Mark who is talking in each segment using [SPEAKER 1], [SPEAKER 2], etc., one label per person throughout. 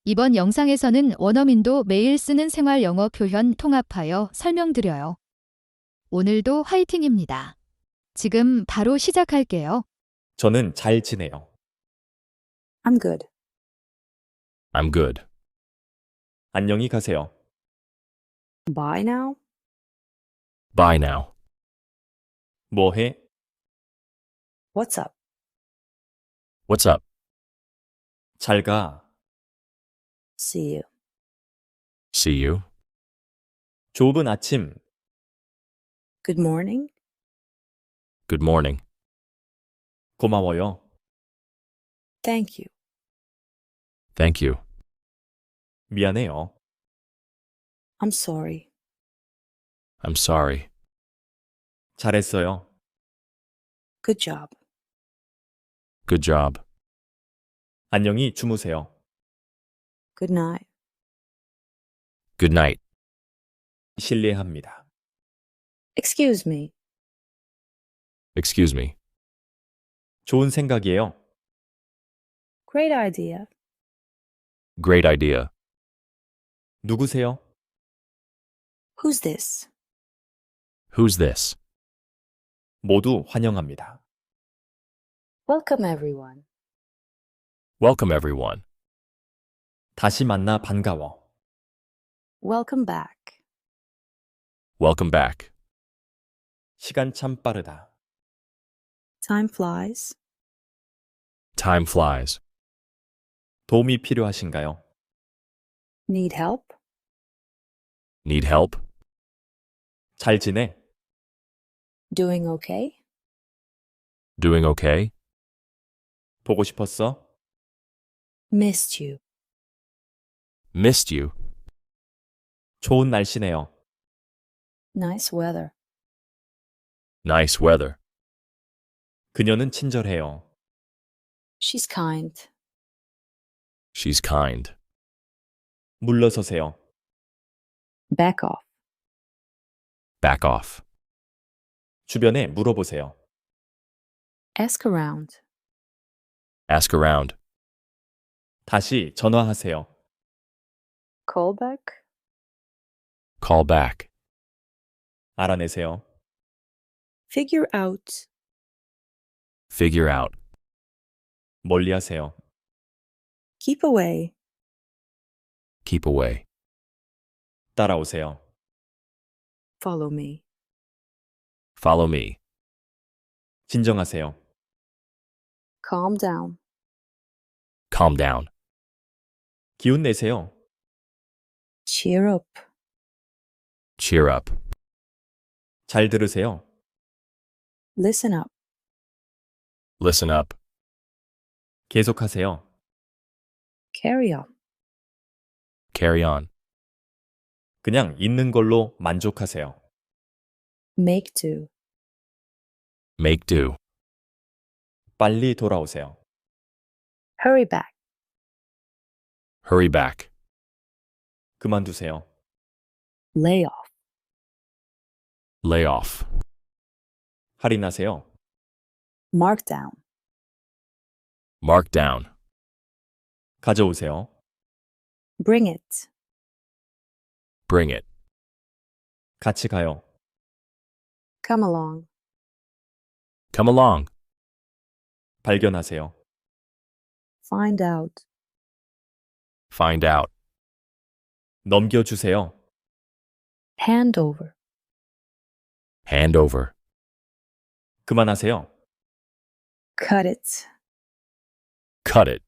[SPEAKER 1] 이번 영상에서는 원어민도 매일 쓰는 생활 영어 표현 통합하여 설명드려요. 오늘도 화이팅입니다. 지금 바로 시작할게요.
[SPEAKER 2] 저는 잘 지내요.
[SPEAKER 3] I'm good.
[SPEAKER 4] I'm good.
[SPEAKER 2] 안녕히 가세요.
[SPEAKER 3] Bye now.
[SPEAKER 4] Bye now.
[SPEAKER 2] 뭐 해?
[SPEAKER 3] What's up?
[SPEAKER 4] What's up?
[SPEAKER 2] 잘 가.
[SPEAKER 3] See you.
[SPEAKER 4] See you.
[SPEAKER 2] 좁은 아침.
[SPEAKER 3] Good morning.
[SPEAKER 4] Good morning.
[SPEAKER 2] 고마워요.
[SPEAKER 3] Thank you.
[SPEAKER 4] Thank you.
[SPEAKER 2] 미안해요.
[SPEAKER 3] I'm sorry.
[SPEAKER 4] I'm sorry.
[SPEAKER 2] 잘했어요.
[SPEAKER 3] Good job.
[SPEAKER 4] Good job.
[SPEAKER 2] 안녕히 주무세요.
[SPEAKER 3] Good night.
[SPEAKER 4] Good night.
[SPEAKER 2] 실례합니다.
[SPEAKER 3] Excuse me.
[SPEAKER 4] Excuse me.
[SPEAKER 2] 좋은 생각이에요.
[SPEAKER 3] Great idea.
[SPEAKER 4] Great idea.
[SPEAKER 2] 누구세요?
[SPEAKER 3] Who's this?
[SPEAKER 4] Who's this?
[SPEAKER 2] 모두 환영합니다.
[SPEAKER 3] Welcome, everyone.
[SPEAKER 4] Welcome, everyone.
[SPEAKER 2] 다시 만나 반가워.
[SPEAKER 3] Welcome back.
[SPEAKER 4] Welcome back.
[SPEAKER 2] 시간 참 빠르다.
[SPEAKER 3] Time flies.
[SPEAKER 4] Time flies.
[SPEAKER 2] 도움이 필요하신가요?
[SPEAKER 3] Need help?
[SPEAKER 4] Need help?
[SPEAKER 2] 잘 지내?
[SPEAKER 3] Doing okay?
[SPEAKER 4] Doing okay?
[SPEAKER 2] 보고 싶었어?
[SPEAKER 3] Missed you.
[SPEAKER 4] Missed you.
[SPEAKER 2] 좋은 날씨네요.
[SPEAKER 3] Nice weather.
[SPEAKER 4] Nice weather.
[SPEAKER 2] 그녀는 친절해요.
[SPEAKER 3] She's kind.
[SPEAKER 4] She's kind.
[SPEAKER 2] 물러서세요.
[SPEAKER 3] Back off.
[SPEAKER 4] Back off.
[SPEAKER 2] 주변에 물어보세요.
[SPEAKER 3] Ask around.
[SPEAKER 4] Ask around.
[SPEAKER 2] 다시 전화하세요.
[SPEAKER 3] Call back.
[SPEAKER 4] Call back.
[SPEAKER 2] 알아내세요.
[SPEAKER 3] Figure out.
[SPEAKER 4] Figure out.
[SPEAKER 2] 멀리하세요.
[SPEAKER 3] Keep away.
[SPEAKER 4] Keep away.
[SPEAKER 2] 따라오세요.
[SPEAKER 3] Follow me.
[SPEAKER 4] Follow me.
[SPEAKER 2] 진정하세요.
[SPEAKER 3] Calm down.
[SPEAKER 4] Calm down.
[SPEAKER 2] 기운 내세요.
[SPEAKER 3] Cheer up.
[SPEAKER 4] Cheer up.
[SPEAKER 2] 잘 들으세요.
[SPEAKER 3] Listen up.
[SPEAKER 4] Listen up.
[SPEAKER 2] 계속하세요.
[SPEAKER 3] Carry on.
[SPEAKER 4] Carry on.
[SPEAKER 2] 그냥 있는 걸로 만족하세요.
[SPEAKER 3] Make do.
[SPEAKER 4] Make do.
[SPEAKER 2] 빨리 돌아오세요.
[SPEAKER 3] Hurry back.
[SPEAKER 4] Hurry back.
[SPEAKER 2] 그만두세요.
[SPEAKER 3] Lay off.
[SPEAKER 4] Lay off.
[SPEAKER 2] 할인하세요.
[SPEAKER 3] Mark down.
[SPEAKER 4] Mark down.
[SPEAKER 2] 가져오세요.
[SPEAKER 3] Bring it.
[SPEAKER 4] Bring it.
[SPEAKER 2] 같이 가요.
[SPEAKER 3] Come along.
[SPEAKER 4] Come along.
[SPEAKER 2] 발견하세요.
[SPEAKER 3] Find out.
[SPEAKER 4] Find out.
[SPEAKER 2] 넘겨주세요.
[SPEAKER 3] Hand over.
[SPEAKER 4] Hand over.
[SPEAKER 2] 그만하세요.
[SPEAKER 3] Cut it.
[SPEAKER 4] Cut it.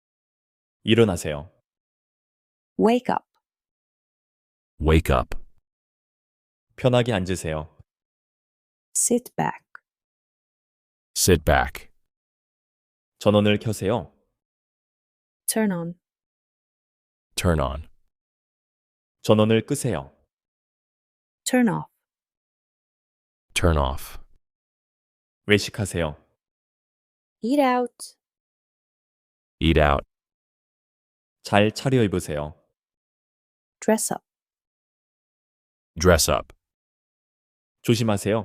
[SPEAKER 2] 일어나세요.
[SPEAKER 3] Wake up.
[SPEAKER 4] Wake up.
[SPEAKER 2] 편하게 앉으세요.
[SPEAKER 3] Sit back.
[SPEAKER 4] Sit back.
[SPEAKER 2] 전원을 켜세요.
[SPEAKER 3] Turn on.
[SPEAKER 4] Turn on.
[SPEAKER 2] 전원을 끄세요.
[SPEAKER 3] Turn off.
[SPEAKER 4] Turn off.
[SPEAKER 2] 외식하세요.
[SPEAKER 3] Eat out.
[SPEAKER 4] Eat out.
[SPEAKER 2] 잘 차려입으세요.
[SPEAKER 3] Dress up.
[SPEAKER 4] Dress up.
[SPEAKER 2] 조심하세요.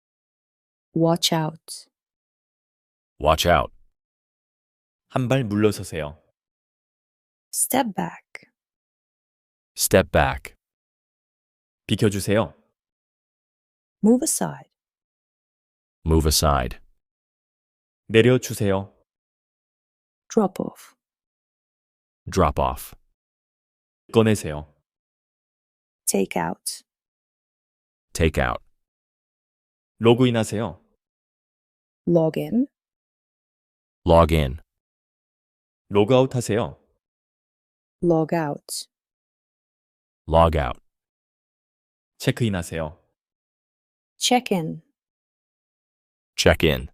[SPEAKER 3] Watch out.
[SPEAKER 4] Watch out.
[SPEAKER 2] 한 발 물러서세요.
[SPEAKER 3] Step back.
[SPEAKER 4] Step back.
[SPEAKER 2] 비켜주세요.
[SPEAKER 3] Move aside.
[SPEAKER 4] Move aside.
[SPEAKER 2] 내려주세요.
[SPEAKER 3] Drop off.
[SPEAKER 4] Drop off.
[SPEAKER 2] 꺼내세요.
[SPEAKER 3] Take out.
[SPEAKER 4] Take out.
[SPEAKER 2] 로그인하세요.
[SPEAKER 3] Log in.
[SPEAKER 4] Log in.
[SPEAKER 2] 로그아웃 하세요.
[SPEAKER 3] Log out.
[SPEAKER 4] Log out.
[SPEAKER 2] 체크인하세요.
[SPEAKER 3] Check in.
[SPEAKER 4] Check in.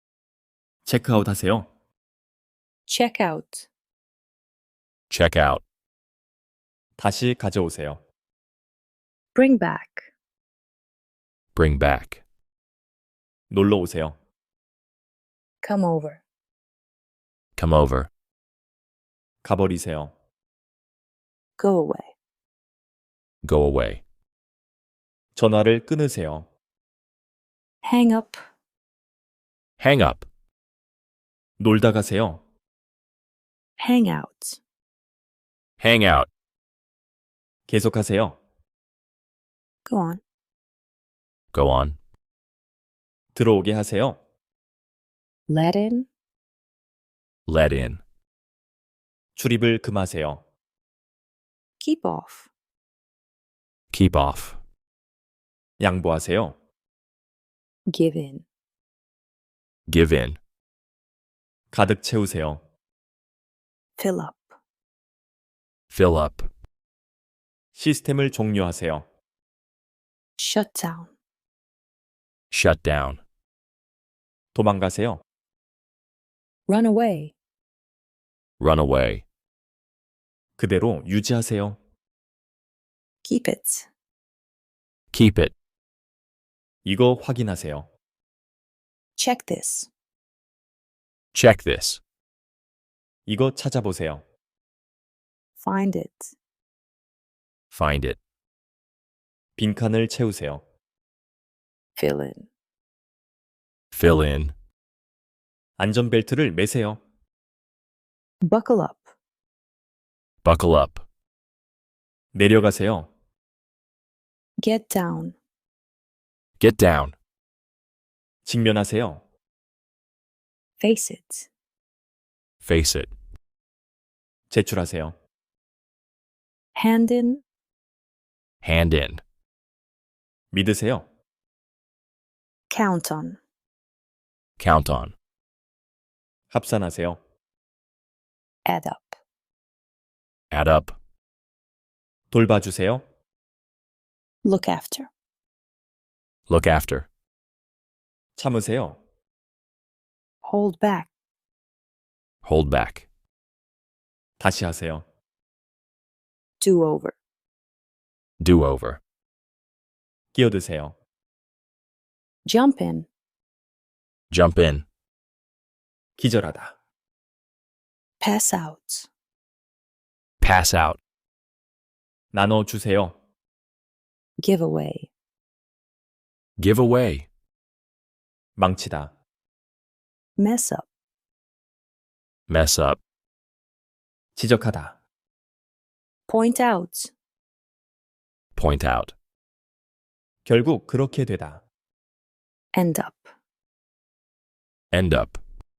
[SPEAKER 2] 체크아웃 하세요.
[SPEAKER 3] Check out.
[SPEAKER 4] Check out.
[SPEAKER 2] 다시 가져오세요.
[SPEAKER 3] Bring back.
[SPEAKER 4] Bring back.
[SPEAKER 2] 놀러 오세요.
[SPEAKER 3] Come over.
[SPEAKER 4] Come over.
[SPEAKER 2] 가버리세요.
[SPEAKER 3] Go away.
[SPEAKER 4] Go away.
[SPEAKER 2] 전화를 끊으세요.
[SPEAKER 3] Hang up.
[SPEAKER 4] Hang up.
[SPEAKER 2] 놀다 가세요.
[SPEAKER 3] Hang out.
[SPEAKER 4] Hang out.
[SPEAKER 2] 계속하세요.
[SPEAKER 3] Go on.
[SPEAKER 4] Go on.
[SPEAKER 2] 들어오게 하세요.
[SPEAKER 3] Let in.
[SPEAKER 4] Let in.
[SPEAKER 2] 출입을 금하세요.
[SPEAKER 3] Keep off.
[SPEAKER 4] Keep off.
[SPEAKER 2] 양보하세요.
[SPEAKER 3] Give in.
[SPEAKER 4] Give in.
[SPEAKER 2] 가득 채우세요.
[SPEAKER 3] Fill up.
[SPEAKER 4] Fill up.
[SPEAKER 2] 시스템을 종료하세요.
[SPEAKER 3] Shut down.
[SPEAKER 4] Shut down.
[SPEAKER 2] 도망가세요.
[SPEAKER 3] Run away.
[SPEAKER 4] Run away.
[SPEAKER 2] 그대로 유지하세요.
[SPEAKER 3] Keep it.
[SPEAKER 4] Keep it.
[SPEAKER 2] 이거 확인하세요.
[SPEAKER 3] Check this.
[SPEAKER 4] Check this.
[SPEAKER 2] 이거 찾아보세요.
[SPEAKER 3] Find it.
[SPEAKER 4] Find it.
[SPEAKER 2] 빈칸을 채우세요.
[SPEAKER 3] Fill in.
[SPEAKER 4] Fill in.
[SPEAKER 2] 안전벨트를 매세요.
[SPEAKER 3] Buckle up.
[SPEAKER 4] Buckle up.
[SPEAKER 2] 내려가세요.
[SPEAKER 3] Get down.
[SPEAKER 4] Get down.
[SPEAKER 2] 직면하세요.
[SPEAKER 3] Face it.
[SPEAKER 4] Face it.
[SPEAKER 2] 제출하세요.
[SPEAKER 3] Hand in.
[SPEAKER 4] Hand in.
[SPEAKER 2] 믿으세요.
[SPEAKER 3] Count on.
[SPEAKER 4] Count on.
[SPEAKER 2] 합산하세요.
[SPEAKER 3] Add up.
[SPEAKER 4] Add up.
[SPEAKER 2] 돌봐주세요.
[SPEAKER 3] Look after.
[SPEAKER 4] Look after.
[SPEAKER 2] 참으세요.
[SPEAKER 3] Hold back.
[SPEAKER 4] Hold back.
[SPEAKER 2] 다시 하세요.
[SPEAKER 3] Do over.
[SPEAKER 4] Do over.
[SPEAKER 2] 끼어드세요.
[SPEAKER 3] Jump in.
[SPEAKER 4] Jump in.
[SPEAKER 2] 기절하다.
[SPEAKER 3] Pass out.
[SPEAKER 4] Pass out.
[SPEAKER 2] 나눠주세요.
[SPEAKER 3] Give away.
[SPEAKER 4] Give away.
[SPEAKER 2] 망치다.
[SPEAKER 3] Mess up.
[SPEAKER 4] Mess up.
[SPEAKER 2] 지적하다.
[SPEAKER 3] Point out.
[SPEAKER 4] Point out.
[SPEAKER 2] 결국 그렇게 되다.
[SPEAKER 3] End up.
[SPEAKER 4] End up.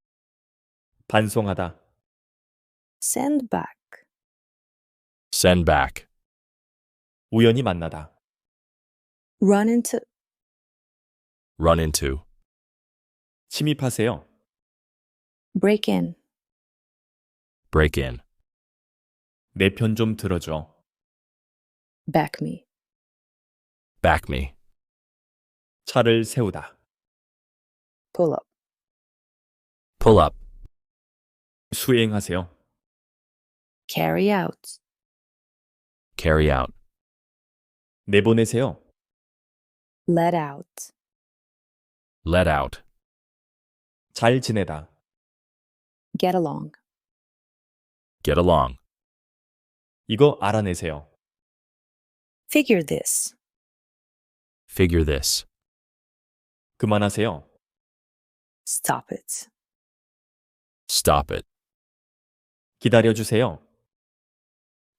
[SPEAKER 2] 반송하다.
[SPEAKER 3] Send back.
[SPEAKER 4] Send back.
[SPEAKER 2] 우연히 만나다.
[SPEAKER 3] Run into.
[SPEAKER 4] Run into.
[SPEAKER 2] 침입하세요.
[SPEAKER 3] Break in.
[SPEAKER 4] Break in.
[SPEAKER 2] 내 편 좀 들어줘.
[SPEAKER 3] Back me.
[SPEAKER 4] Back me.
[SPEAKER 2] 차를 세우다.
[SPEAKER 3] Pull up.
[SPEAKER 4] Pull up.
[SPEAKER 2] 수행하세요.
[SPEAKER 3] Carry out.
[SPEAKER 4] Carry out.
[SPEAKER 2] 내보내세요.
[SPEAKER 3] Let out.
[SPEAKER 4] Let out.
[SPEAKER 2] 잘 지내다.
[SPEAKER 3] Get along.
[SPEAKER 4] Get along.
[SPEAKER 2] 이거 알아내세요.
[SPEAKER 3] Figure this.
[SPEAKER 4] Figure this.
[SPEAKER 2] 그만하세요.
[SPEAKER 3] Stop it.
[SPEAKER 4] Stop it.
[SPEAKER 2] 기다려주세요.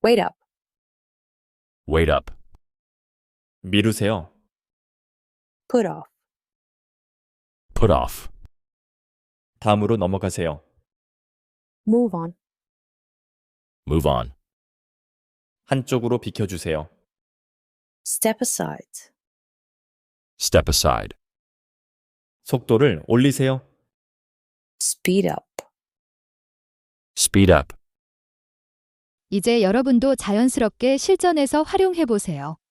[SPEAKER 3] Wait up.
[SPEAKER 4] Wait up.
[SPEAKER 2] 미루세요.
[SPEAKER 3] Put off.
[SPEAKER 4] Put off.
[SPEAKER 2] 다음으로 넘어가세요.
[SPEAKER 3] Move on.
[SPEAKER 4] Move on.
[SPEAKER 2] 한쪽으로 비켜주세요.
[SPEAKER 3] Step aside.
[SPEAKER 4] Step aside.
[SPEAKER 2] 속도를 올리세요.
[SPEAKER 3] Speed up.
[SPEAKER 4] Speed up.
[SPEAKER 1] 이제 여러분도 자연스럽게 실전에서 활용해 보세요.